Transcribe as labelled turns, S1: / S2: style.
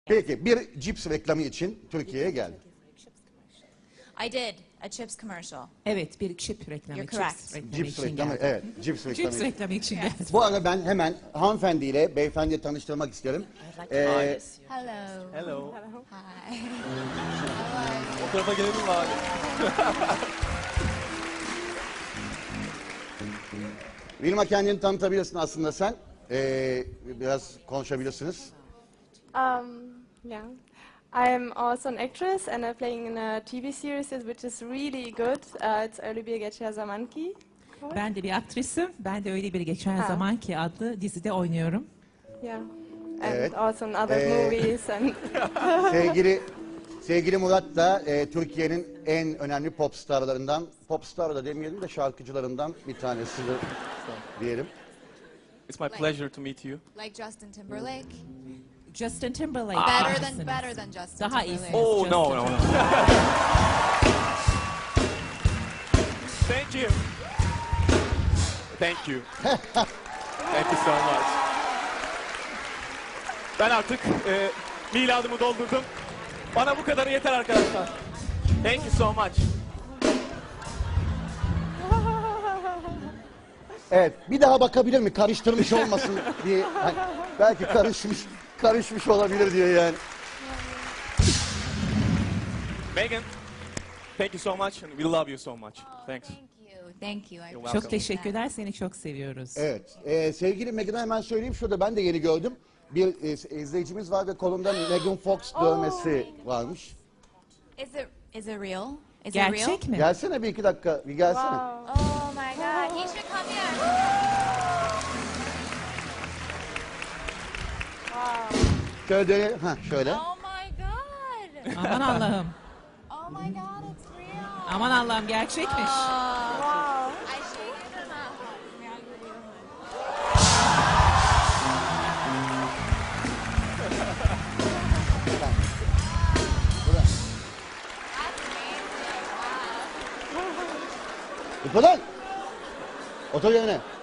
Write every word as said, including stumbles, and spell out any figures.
S1: Peki bir cips reklamı için Türkiye'ye geldi.
S2: I did a chips commercial.
S3: Evet, bir çip reklamı.
S2: You're
S3: Chips
S2: correct.
S3: reklamı
S1: Cips
S3: için
S1: reklamı,
S3: geldi.
S1: evet, cips reklamı.
S3: Cips reklamı için geldi.
S1: Bu arada ben hemen hanımefendiyle beyefendiyi tanıştırmak isterim. Ee,
S2: Hello.
S4: Hello.
S2: Hi.
S4: O tarafa gelelim mi abi?
S1: Vilma kendini tanıtabilirsin aslında sen. Ee, biraz konuşabilirsiniz.
S5: Um, yeah. I'm also an actress and I'm playing in a T V series which is really good. Uh, it's Öyle Bir Geçer Zaman Ki.
S3: Ben de bir aktrisim. Ben de öyle bir geçen
S5: Ha.
S3: zaman ki adlı dizide oynuyorum.
S5: Yeah. And
S1: Evet.
S5: also in other
S1: Eh.
S5: movies and
S1: Sevgili sevgili Murat da e, Türkiye'nin en önemli pop starlarından, pop star da demeyelim de şarkıcılarından bir tanesi de diyelim.
S4: It's my pleasure to meet you.
S2: Like Justin Timberlake.
S3: Justin Timberlake.
S2: Better
S3: iyisiniz.
S2: than better than Justin
S3: Daha
S2: Timberlake.
S3: iyisiniz.
S4: Oh
S3: Justin
S4: no no no.
S3: Timberlake.
S4: Thank you. Thank you. Thank you so much. Ben artık e, miladımı doldurdum. Bana bu kadarı yeter arkadaşlar. Thank you so much.
S1: Evet, bir daha bakabilir mi? Karıştırmış olmasın diye. Hani belki karışmış, karışmış olabilir diyor yani.
S4: Megan, thank you so much and we love you so much. Thanks.
S2: Thank you. Thank you. I
S4: You're
S2: appreciate
S3: Çok
S4: welcome.
S3: teşekkürler. Seni çok seviyoruz.
S1: Evet, e, sevgili Megan'a hemen söyleyeyim. Şurada ben de yeni gördüm. Bir e, izleyicimiz var ve kolunda Megan Fox dövmesi varmış.
S2: Is it is it real? Is it
S3: Gerçek
S2: real?
S3: mi?
S1: Gelsene bir iki dakika, bir gelsene.
S5: wow.
S2: Oh my god. He should come here.
S5: Wow.
S1: Şöyle dönelim, ha şöyle.
S2: Oh my god.
S3: Aman Allah'ım.
S2: Oh my god, it's real.
S3: Aman Allah'ım gerçekmiş.
S5: Wow.
S2: I shake it enough. That's amazing. Wow.
S1: Lütfen. Otur yerine.